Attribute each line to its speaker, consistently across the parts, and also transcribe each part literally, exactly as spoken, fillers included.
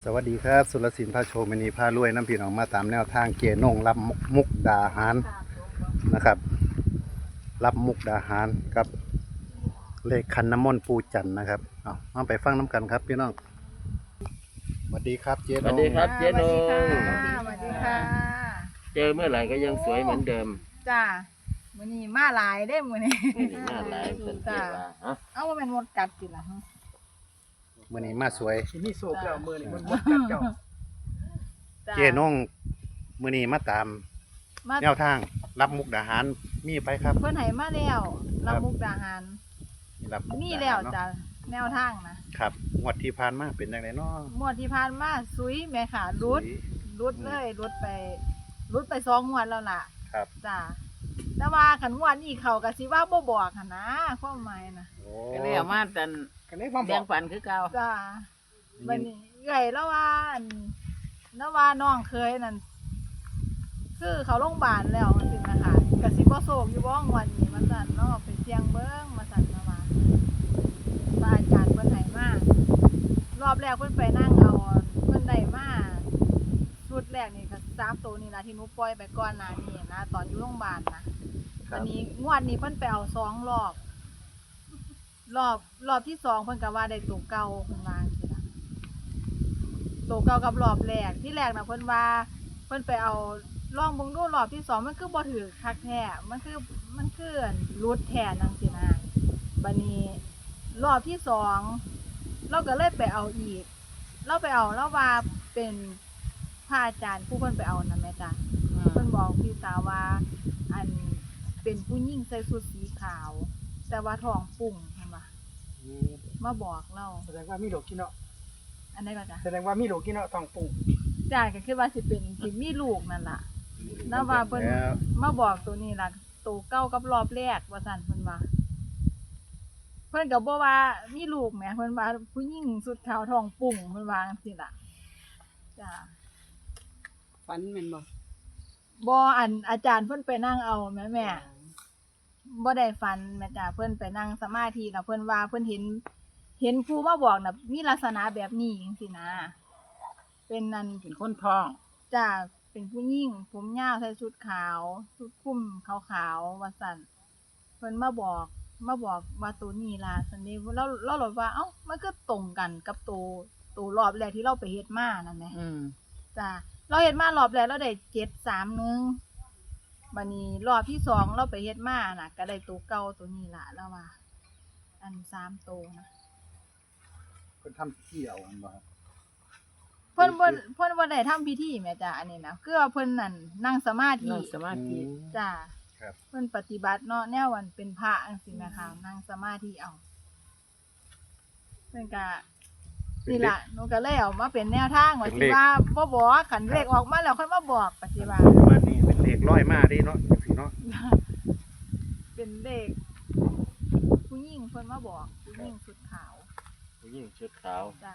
Speaker 1: สวัสดีครับสุรศิลป์พาโชว์มณีพารวยน้ำพี่น้องมาตามแนวทางเกียร์นงรับมุกดาหารนะครับ รับมุกดาหารกับเลขคันน้ำมนต์ปูจันทร์นะครับเอามาไปฟังน้ำกันครับพี่น้องสวัสดีครับเจ๊นง
Speaker 2: สวัสดีครับ เจ๊นง
Speaker 3: สวัสดีค่ะ
Speaker 2: เจอเมื่อไหร่ก็ยังสวยเหมือนเดิม
Speaker 3: จ้ามื้อนี้มาหลายเด้มื้อนี้
Speaker 2: นี่หน้าหลายสังเกตว่าฮะ
Speaker 3: เอ้าว่าแม่นมดกัดติล่ะฮะ
Speaker 1: มื่อนี้มาสวย
Speaker 4: สิมีโศกแล้วมือนี่มันหมดกัดเจ้า
Speaker 1: เจ๊นงมื่อนี้มาตาม
Speaker 3: มา
Speaker 1: แนวทางรับมุกดาหารมีไปครับ
Speaker 3: เพิ่นให้มาแล้วรับมุกดาหาร
Speaker 1: รับมุก
Speaker 3: มี
Speaker 1: ดา
Speaker 3: แล้ว
Speaker 1: หารเนาะ
Speaker 3: จ้ะแนวทางนะครับ
Speaker 1: งวดที่ผ่านมาเป็นยังไงเนาะ
Speaker 3: งวดที่ผ่านมาซุยแม่ค่ะรุดรุดเลยรุดไปรุดไปสองงวดแล้วล่ะ
Speaker 1: ครับ
Speaker 3: จ้าแต่ว่าคันงวดนี้เขาก็สิว่าบ่บอกหั่นนะความหมายนะ
Speaker 1: โอ้
Speaker 2: ก็เลยเอามาแต่
Speaker 4: กันได้ความบ
Speaker 2: แบ่
Speaker 4: อง ก
Speaker 2: ปันคือเก่า
Speaker 3: จ้าบัดนี้เอื้อยแล้วว่าอันแล้วว่าน้องเคยนั่นคือเขาโรงพยาบาลแล้วจังซี่นะคะก็สิบ่โศกอยู่บ่งวดนี้มาสั่นเนาะไปเสี่ยงเบิ่งมาสั่นมาว่าพระอาจารย์เพิ่นให้มารอบแรกเพิ่นไปนั่งเอาเพิ่นได้มาชุดแรกนี่ก็สามตัวนี่ล่ะที่หนูปล่อยไปก่อนหน้านี้นะตอนอยู่โรงพยาบาลนะ
Speaker 1: ครั
Speaker 3: อั
Speaker 1: บ
Speaker 3: นนี้งวดนี้เพิ่นไปเอาสองรอบ รอบรอบที่สองเพิ่นก็ว่าได้ตัวเก่าเพิ่นว่าจังซี่ล่ะตัวเก่ากับรอบแรกที่แรกน่ะเพิ่นว่าเพิ่นไปเอาลองเบิ่งดูรอบที่สองมันคือบ่ถือคักแท้มันคือมันคือรุดแท้จังซี่นะบัดนี้รอบที่สองเราก็เลยไปเอาอีก เราไปเอาเราว่าเป็นพระอาจารย์ผู้เพิ่นไปเอานั่นแหม่จ้ะ เพิ่นบอกพี่สาวว่าอันเป็นผู้หญิงใส่ชุดสีขาว แต่ว่าท้องปุ่งเห็นปะมาบอกเรา
Speaker 4: แสดงว่ามีโรคกินเนาะ
Speaker 3: อันนี้ก็จ้ะ
Speaker 4: แสดงว่ามีโรคกินเนาะท้องปุ่ง
Speaker 3: จ้าก็คือว่าสิเป็นสิมีลูกนั่นล่ะแล้วว่าเพิ่น
Speaker 1: แล้ว
Speaker 3: มาบอกตัวนี้ล่ะตัวเก้ากับรอบแรกว่าซั่นเพิ่นว่า เพิ่นก็บ่ว่ามีลูกแหมเพิ่นว่าผู้หญิงสุดขาวท้องปุ่งเพิ่นว่าจังซี่ล่ะจ้า
Speaker 4: ฟันแม่นบ่
Speaker 3: บ่อันอาจารย์เพิ่นไปนั่งเอาแม่แม่ บ่ได้ฝันแม่จ้าเพิ่นไปนั่งสมาธิแล้วเพิ่นว่าเพิ่นเห็น เห็นครูมาบอกน่ะมีลักษณะแบบนี้จังซี่นะเป็นนั่น
Speaker 4: เป็นคนท้อง
Speaker 3: จ้าเป็นผู้หญิงผมยาวใส่ชุดขาวชุดคลุมขาวๆว่าซั่นเพิ่นมาบอกมาบอกว่าตัวนี้ล่ะซั่นเด้เราเราเลยว่าเอ้ามันก็ตรงกันกับตัวตัวรอบแรกที่เราไปเฮ็ดมานั่นแหละ
Speaker 4: อืม
Speaker 3: จ้าเราเฮ็ดมารอบแรกเราได้เจ็ดสามหนึ่งบัดนี้รอบที่สองเราไปเฮ็ดมาน่ะ ก็ได้ตัวเก่าตัวนี้ล่ะแล้วว่า อันสามตัวนะ
Speaker 1: เพิ่นทำเที่ยวมันบ่ครับ
Speaker 3: เพิ่นบ่เพิ่นบ่ได้ทำพิธีแม่จ้าอันนี้นะคือว่าเพิ่นนั่นนั่งสมาธิ
Speaker 4: นั่งสมาธิ
Speaker 3: จ้า
Speaker 1: ครับ
Speaker 3: เพิ่นปฏิบัติเนาะแนววันเป็นพระจังซี่นะคะนั่งสมาธิเอาเพิ่นก็นี่ล่ะหนูก็เลยเอามาเป็นแนวทางว่าสิว่าบ่บอกคันเลขออกมาแล้วค่อยมาบอกปฏิบัติ
Speaker 1: ว่านี่เป็นเลขร้อยมาเดิเนาะจังซี่เนาะ
Speaker 3: เป็นเด็กผู้หญิงเพิ่นมาบอกผู้หญิงสุดขาว
Speaker 2: ผู้หญิงชุดขาว
Speaker 3: จ้า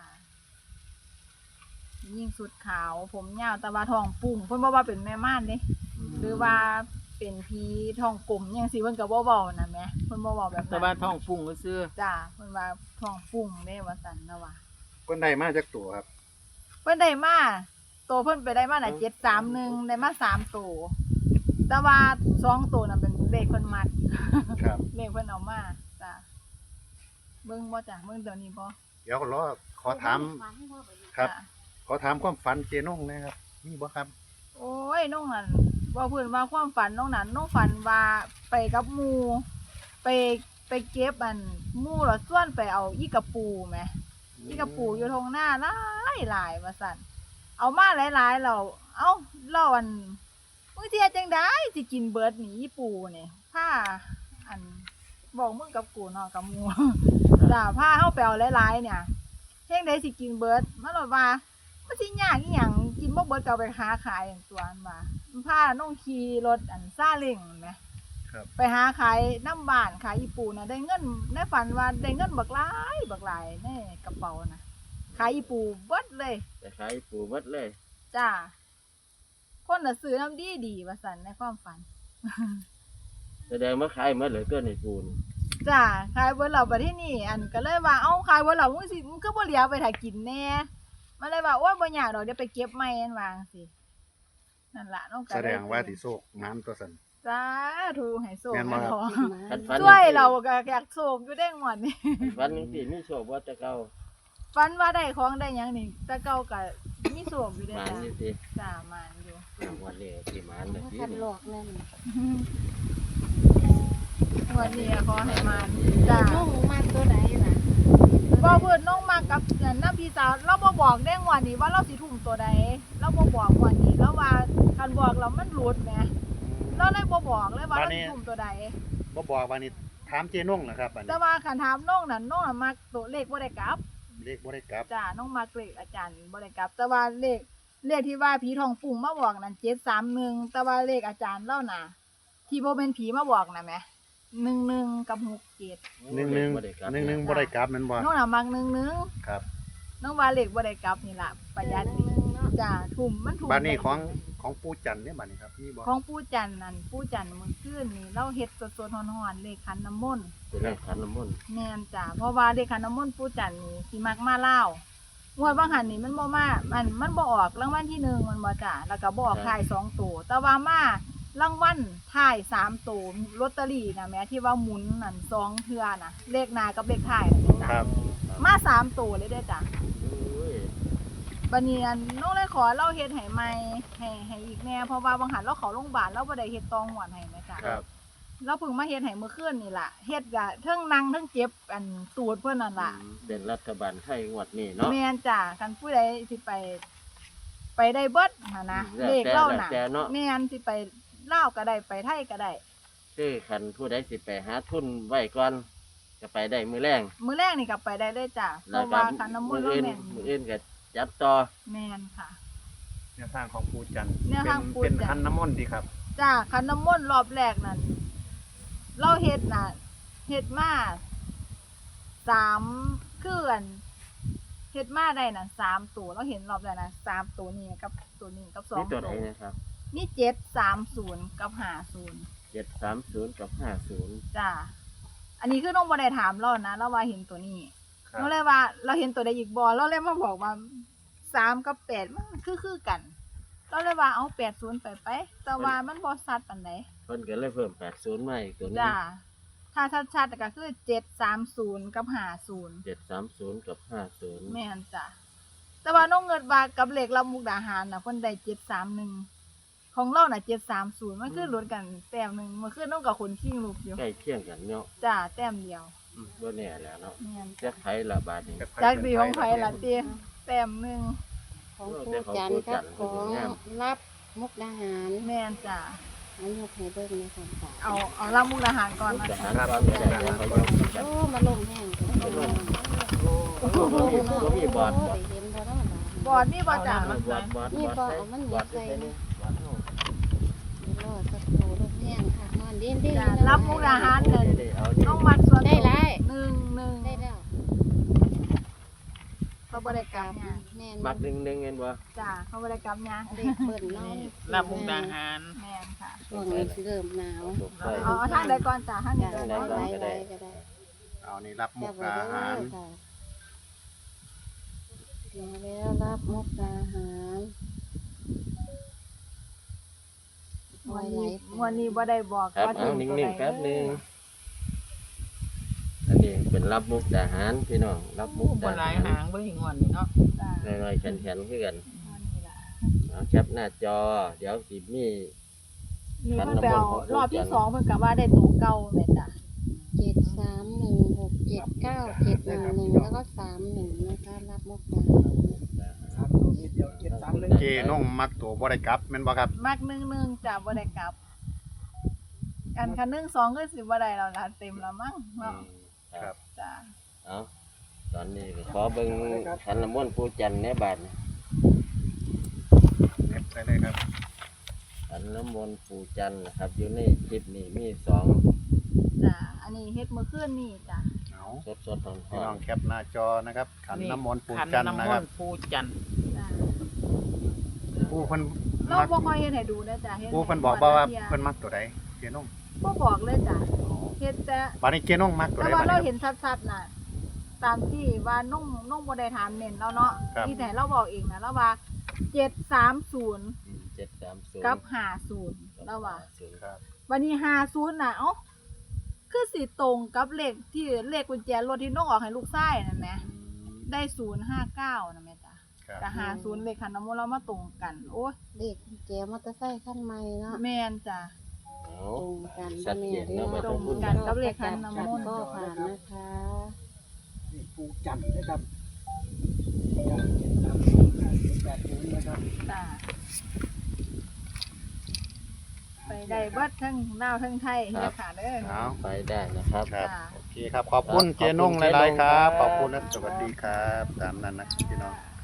Speaker 3: ผู้หญิงสุดขาว ผมยาวแตะว่าทองปุ่งเพิ่นบ่ว่าเป็นแม่ม่านเด้หรือว่าเป็นผีทองกลมจังซี่เพิ่นก็บ่เว้านะแหม่เพิ่นบ่เว้าแบบ
Speaker 2: แต่
Speaker 3: นั้น
Speaker 2: ว่าท้องฟุ้งก็ซื้อ
Speaker 3: จ้าเพิ่นว่าทองปุ่งเด้ว่าซั่นนะว่า
Speaker 1: เพิ่นได้มาจากตัวครับ
Speaker 3: เพิ่นได้มาโตเพิ่นไปได้มาน่ะเจ็ดสามหนึ่งได้มาสามโตแต่ว่าสองโตน่ะเป็นเลขเพิ่นมัด
Speaker 1: ครับ
Speaker 3: เลขเพิ่นเอามาจ้าเบิ่งบ่จ้ะเบิ่งตัวนี้บ่
Speaker 1: เดี๋ยวรอขอถามครับ
Speaker 3: จ้ะ
Speaker 1: ขอถามความฝันเจนงนะครับมีบ่ครับ
Speaker 3: โอ้ยน้องนั่นว่าเพื่อนว่าความฝันน้องนั่นน้องฝันว่าไปกับหมูไปไปเก็บอันหมูแล้วส่วนไปเอาอีกระปูไหมอีกระปูอยู่ทงหน้าหลายหลายว่าสั่นเอามาหลายๆเราเอ้าเราอันมึงเทียจังได้สิกินเบิดหนีอีปูเนี่ยผ้าอันบอกมึงกับกูเนาะกับหมู จ้าผ้าเข้าไปเอาหลายๆเนี่ยเท่งได้สิกินเบิดมาหลอดว่า มันสิยากอีหยังกินบ่เบิดก็เอาไปหาขายอย่างตัวอันว่ามันพาน้องขี่รถอันซาเล้งแหม
Speaker 1: ครับ
Speaker 3: ไปหาขายน้ำบ้านขายอีปูน่ะได้เงินในฝันว่าได้เงินบักหลายบักหลายในกระเป๋านะขายอีปูเบิดเลย
Speaker 2: แต่ขายปูหมดเลย
Speaker 3: จ้าคนน่ะซื้อน้ำดีดีว่าซั่นในความฝัน
Speaker 2: แสดงว่าขายหมดเลยตัวในปูน
Speaker 3: จ้าขายเบิดแล้วบัดที่นี่อันก็เลยว่าเอ้าขายเบิดแล้วมึงสิมึงก็บ่เหลือไปถ้ากินแน่มันเลยว่าโอ๊ยบ่ยากดอกเดี๋ยวไปเก็บใหม่อันว่าจังซี่นั่นล่ะน้องก็
Speaker 1: แสดงว่าสิโชคน้ำตัวสัน
Speaker 3: สาธุให้โชค
Speaker 1: แม่นบ่
Speaker 3: ให้
Speaker 1: ครับ
Speaker 3: ขอ
Speaker 2: คันฝัน
Speaker 3: ช่วยเราก็อยากโชคอยู่ได้งวดนี้
Speaker 2: ฝันจังซี่มีโชคบ่แต่เก่า
Speaker 3: ฝันว่าได้ของได้หยังนี่แต่เก่าก็มีโชคอยู่ได้
Speaker 2: หมาน
Speaker 3: จ้ะ
Speaker 2: อยู่สิ
Speaker 3: จ้ามานอยู่
Speaker 2: อ่าวันนี้สิหมานเด้อสิ
Speaker 5: คันหลอกนั่น
Speaker 3: งวดนี้ขอให้มานจ้า
Speaker 5: น้องมากตัวใดล่ะ
Speaker 3: บ่เพิ่นน้องมากับน้ำพี่สาวเราบ่บอกได้งวดนี้ว่าเราสิทุ่มตัวใดเราบ่บอกงวดนี้แล้วว่าคันบอกแล้วมันหลุดแหมเราเลยบ่บอกเลยว่าเราสิทุ่มตัวใด
Speaker 1: บ่บอกว่านี่ถามเจนงนะครับบัด
Speaker 3: แต่
Speaker 1: นี้
Speaker 3: ว่าคันถามน้องนั่นน้องน่ะมักตัวเลขบ่ได้กลับ
Speaker 1: เลขบ่ได้กลับ
Speaker 3: จ้าน้องมักเลขอาจารย์บ่ได้กลับ แต่ว่าเลขเลขที่ว่าผีทองปุ่งมาบอกนั่นเจ็ดสามหนึ่งแต่ว่าเลขอาจารย์เล่าน่ะ ที่บ่เป็นผีมาบอกน่ะแหมหนึ่งหนึ่งกับหกเจ็ด
Speaker 1: หนึ่งหนึ่ง
Speaker 2: บ่ได้กลับ
Speaker 1: หนึ่งหนึ่งบ่ได้กลับแม่นบ่
Speaker 3: น้องน่ะมักหนึ่งหนึ่ง
Speaker 1: ครับ
Speaker 3: น้องว่าเลขบ่ได้กลับนี่ล่ะประหยัดดีจ้าทุ่มมันทุ่ม
Speaker 1: บัดนี้ของของปู่จันทร์เนี่ยบัดนี้ครับมีบ่
Speaker 3: ของปู่จันทร์นั่นปู่จันทร์มื้อคืนนี่เราเฮ็ดสดๆร้อนๆเลขขันน้ำมนต์
Speaker 2: เป็นเลขขันน้ำมนต์
Speaker 3: แม่นจ้าเพราะว่าเลขขันน้ำมนต์ปู่จันทร์นี่สิมักมาลาวงวดบางหันนี่มันบ่มามันมันบ่ออกรางวัลที่หนึ่งมันบ่จ้าแล้วก็บ่ออกท้ายสองตัวแต่ว่ามารางวัลท้ายสามตัวลอตเตอรี่น่ะแหม่ที่ว่าหมุนนั่นสองเทื่อน่ะเลขหน้ากับเลขท้ายน่ะจ้ะ
Speaker 1: ครับ
Speaker 3: มาสามตัวเลยเด้อจ้ะ
Speaker 2: โอ้ย
Speaker 3: บัดนี้อันน้องเลยขอเราเฮ็ดให้ใหม่ให้ให้อีกแน่เพราะว่าบางหันเราเข้าโรงพยาบาลเราบ่ได้เฮ็ดตองหวดให้แม่จ้ะ
Speaker 1: ครับ
Speaker 3: เราเพิ่งมาเฮ็ดให้เมื่อคืนนี่ล่ะเฮ็ดก็เทิงนั่งเทิงเจ็บอันตูดเพิ่นนั่นล่ะ
Speaker 2: เป็นรัฐบาลไทยงวดนี้เนาะ
Speaker 3: แม่นจ้ะคันผู้ใดสิไป ไปได้เบิดหั่นนะ
Speaker 2: แล้ว
Speaker 3: เลข
Speaker 2: แต่
Speaker 3: เล่า
Speaker 2: แล้ว
Speaker 3: น่ะ
Speaker 2: แต่เนาะ
Speaker 3: แม่นสิไปลาวก็ได้ไปไทยก็ได้
Speaker 2: คือคันผู้ใดสิไปหาทุนไว้ก่อนก็ไปได้มื้อแรง
Speaker 3: มื้อแรกนี่ก็ไปได้เลยจ้ะเพ
Speaker 2: แล้ว
Speaker 3: ราะ
Speaker 2: ก็
Speaker 3: ว่าคันน้ำม
Speaker 2: มื้
Speaker 3: น
Speaker 2: อ
Speaker 3: ต์เรา
Speaker 2: อื่น
Speaker 3: แม่น
Speaker 2: มื้ออื่นก็จับต่อ
Speaker 3: แม่นค่ะ
Speaker 4: แนวทางของปู่จันทร์
Speaker 3: แนวทางปู่
Speaker 4: เป็น
Speaker 3: จันทร์
Speaker 4: คันน้ำมนต์ดีครับ
Speaker 3: จ้ะคันน้ำมนต์รอบแรกนั่นเราเฮ็ดน่ะเฮ็ดมาสามคืออันเฮ็ดมาได้น่ะสามตัวเราเห็นรอบแรกน่ะสามตัวนี้กับตัวนี้กับสอง
Speaker 2: นี่ตัวไหน
Speaker 3: ตัว
Speaker 2: นะครับ
Speaker 3: นี่เจ็ดสามศูนย์กับห้าศูนย์
Speaker 2: เจ็ดสามศูนย์กับห้าศูนย์
Speaker 3: จ้าอันนี้คือน้องบ่ได้ถามเรานะเราว่าเห็นตัวนี้
Speaker 4: ครับ
Speaker 3: เราเลยว่า เราเห็นตัวใดอีกบ่เราเลยมาบอกว่าสามกับแปดมันคือคือกัน เราเลยว่าเอาแปดศูนย์ไปไปแต่ว่ามันบ่ชัดปานใด
Speaker 2: เพิ่นก็เลยเพิ่มแปดศูนย์มาอีกตัวหนึง
Speaker 3: จ้าถ้าชัดๆก็คือเจ็ดสามศูนย์กับห้าศูนย์
Speaker 2: เจ็ดสามศูนย์กับห้าศูนย์
Speaker 3: แม่นจ้ะแต่ว่าน้องเงินว่ากับเลขรับมุกดาหารน่ะเพิ่นได้เจ็ดสามหนึ่งของเราน่ะเจ็ดสามศูนย์มันคือลดกันแต้มหนึงมันคือน้องกับคนขิงลูกอยู่
Speaker 2: ใกล้เคียงกันเนาะ
Speaker 3: จ้าแต้มเดียว
Speaker 2: อืมบ่แน่แหล้วเนาะ
Speaker 3: แม่น
Speaker 2: จะไผละบาทนี้
Speaker 3: จากดีของไผล่ะเตี้ยแต้มหนึง
Speaker 5: ของปู่จันทร์กับของรับมุกดาหาร
Speaker 3: แม่นจ้ะ
Speaker 5: อันยกให้เบิ่งในความฝัน
Speaker 3: เอาเอารับมุกดาหารก่อน
Speaker 2: มุก
Speaker 3: นะ
Speaker 2: ดา
Speaker 3: คะ
Speaker 2: หารก่อนก็ได้เดี๋ยวเขายกกัน
Speaker 5: โอ้มาลงแห้ง
Speaker 2: โอ้โหบ่มีบ่มีบอดบ่
Speaker 5: ได้เห็นบ่เนาะ
Speaker 3: บอดนี่บ่จ้ะ
Speaker 2: บอดบอดบอด
Speaker 5: นี่บ่
Speaker 2: ใส่
Speaker 5: เอามัน
Speaker 2: บอด
Speaker 5: ใส่
Speaker 2: ใส่นี่บอดเฮา
Speaker 5: รอสักครู่ลงแห้งค่ะนอนเด่นๆ
Speaker 3: จ้ะรับมุกดาหาร
Speaker 2: ได้
Speaker 3: เงิน
Speaker 2: ได้เอานี่
Speaker 3: น้องมัดส่วน
Speaker 5: ได้หลาย
Speaker 3: หนึ่งหนึ่ง
Speaker 5: ได้แล้ว
Speaker 3: เขาบริกรรมเนี่ย
Speaker 5: แม่น
Speaker 2: มักหนึ่งหนึ่งเห็นบ่
Speaker 3: จ้ะเขาบริกรรมเนี่ย
Speaker 5: เด็กเบิ่นเนาะ
Speaker 4: รับมุกดาหาร
Speaker 3: แม่นค่ะ
Speaker 5: ช่วงนี้สิเริ่มหนาว
Speaker 2: ถูกใส่
Speaker 3: เอาเอาทางใดก่อนจ้ะทางนี้
Speaker 5: จ้ะ
Speaker 3: ก่อน
Speaker 5: ไว้
Speaker 3: เนาะ
Speaker 5: ไว้ไว้ก็ได้
Speaker 1: เอานี่รับมุ
Speaker 5: จั
Speaker 1: ก
Speaker 5: บไว้
Speaker 1: ดา
Speaker 5: เด้อ
Speaker 1: หาร
Speaker 5: ค่ะมาแล้วรับมุกดาหาร
Speaker 3: วันนี้วันนี้บ่ได้บอก
Speaker 2: ครับ
Speaker 3: ว่า
Speaker 2: เอา
Speaker 3: ถึ
Speaker 2: นิ่
Speaker 3: ตัวใด
Speaker 2: งๆแป๊บหนึงอันนี้เป็นรับมุกดาหารพี่น้องรับมุก
Speaker 4: บ่
Speaker 2: ดา
Speaker 4: หลา
Speaker 2: หาย ร
Speaker 4: หางบ่หิงวันนี่เนาะ
Speaker 3: จ้ะ
Speaker 2: น้อยๆแข็งๆคือกัน
Speaker 3: วันนี้ล่ะ
Speaker 2: เอาแคปหน้าจอ เดี๋ยวสิมี
Speaker 3: นี่เพิ่นไปเอารอบที่สองเพิ่นก็ว่าได้ตัวเก่าแม่จ้ะ
Speaker 5: เจ็ดสามหนึ่งหกเจ็ดเก้าเจ็ดหนึ่งหนึ่งแล้วก็สามหนึ่งนะคะรับมุกดาหาร
Speaker 4: สามตัวนิดเดียวเจ็ดสามหนึ่ง
Speaker 1: เจนงมักตัวบ่ได้กลับแม่นบ่ครับ
Speaker 3: มักหนึ่งหนึ่งจ้ะบ่ได้กลับ อันคันหนึ่งสองก็สิบ่ได้แล้วล่ะเต็มแล้วมั้ง
Speaker 2: อื
Speaker 3: เนาะ
Speaker 2: มค
Speaker 1: ครั
Speaker 2: รับ
Speaker 1: บ
Speaker 3: จ้ะ
Speaker 2: เอาตอนนี้ก็ขอเบิ่งขันน้ำมนต์ปู่จันทร์ในบาท
Speaker 1: เน็บไปเลยครับ
Speaker 2: ขันน้ำมนต์ปู่จันทร์นะครับ อยู่ในคลิปนี้มีสอง
Speaker 3: จ้ะอันนี้เฮ็ดมื้อคืนนี่จ้ะ
Speaker 1: เอา
Speaker 2: สดสดๆหอ
Speaker 1: พี่น้อง
Speaker 2: ม
Speaker 1: แคปหน้าจอนะครับขันน้ำมนต์ปู่
Speaker 4: ขัน
Speaker 1: จันทร์
Speaker 4: น้ำ
Speaker 1: นะ
Speaker 4: ม
Speaker 1: ครั
Speaker 4: น
Speaker 1: บ
Speaker 4: ต์ปู่จันทร์
Speaker 3: จ้ะ
Speaker 1: ปู่เพิ่น
Speaker 3: เรา
Speaker 1: มัก
Speaker 3: บ่ค่อยเฮ็ดให้ดูนะจ้ะเฮ็ด
Speaker 1: ปู่
Speaker 3: ให้
Speaker 1: เพิ่นบอกบ่ว่า
Speaker 3: เที่ย
Speaker 1: เพิ่นมักตัวใดเจนง
Speaker 3: บ่บอกเลยจ้ะเฮ็ดแต่
Speaker 1: บัดนี้เจนงมักตัว
Speaker 3: แต่
Speaker 1: ใด
Speaker 3: ว่า
Speaker 1: บัด
Speaker 3: เรา
Speaker 1: นี้
Speaker 3: เห็นชัดๆน่ะตามที่ว่านุ่งนุ่งบ่ได้ถามเน้นแล้วเนาะ
Speaker 1: ครับ
Speaker 3: ที่แต่เราบอกเองนะแล้วว่าเจ็ดสามศูนย์
Speaker 2: เจ็ดสามศูนย์
Speaker 3: กับห้าศูนย์แล้วว่า
Speaker 1: ครับ
Speaker 3: วันนี้ห้าศูนย์น่ะเอ้าคือสิตรงกับเลขที่เลขกุญแจรถที่น้องออกให้ลูกชายนั่นแหมได้ศูนย์ห้าเก้านะแม่จ้ะ
Speaker 1: ครับ
Speaker 3: แต่ห้าศูนย์เลขคันน้ำมนต์เรามาตรงกัน โอ้ย
Speaker 5: เลขกุญแจมอเตอร์ไซค์คันใหม่เนาะ
Speaker 3: แม่นจ้ะ
Speaker 2: เอา
Speaker 5: ตรงกัน
Speaker 2: ชัดเจนเนอะ
Speaker 5: บ่แ
Speaker 3: ตรงกันกับเลขคันน้ำมนต์
Speaker 5: ก็ผ่านนะคะ
Speaker 4: นี่ปูจันทร์นะครับจันทร์เจ็ดสามศูนย์ห้าศูนย์แปดศูนย์นะครับ
Speaker 3: จ้ะไปได้เบิดทั้งลาวทั้งไทยนะคะเด้อ
Speaker 1: เอา
Speaker 2: ไปได้นะครับ
Speaker 1: ครับ
Speaker 3: จ้ะ
Speaker 1: โอเคครับ ขอบคุณ
Speaker 2: ครับ
Speaker 1: เจนง
Speaker 2: ขอบคุณ
Speaker 1: หลายๆครับ
Speaker 2: เจนงครับ
Speaker 1: ขอบคุณและสวัสดีครับ ตามนั้นนะพี่น้อง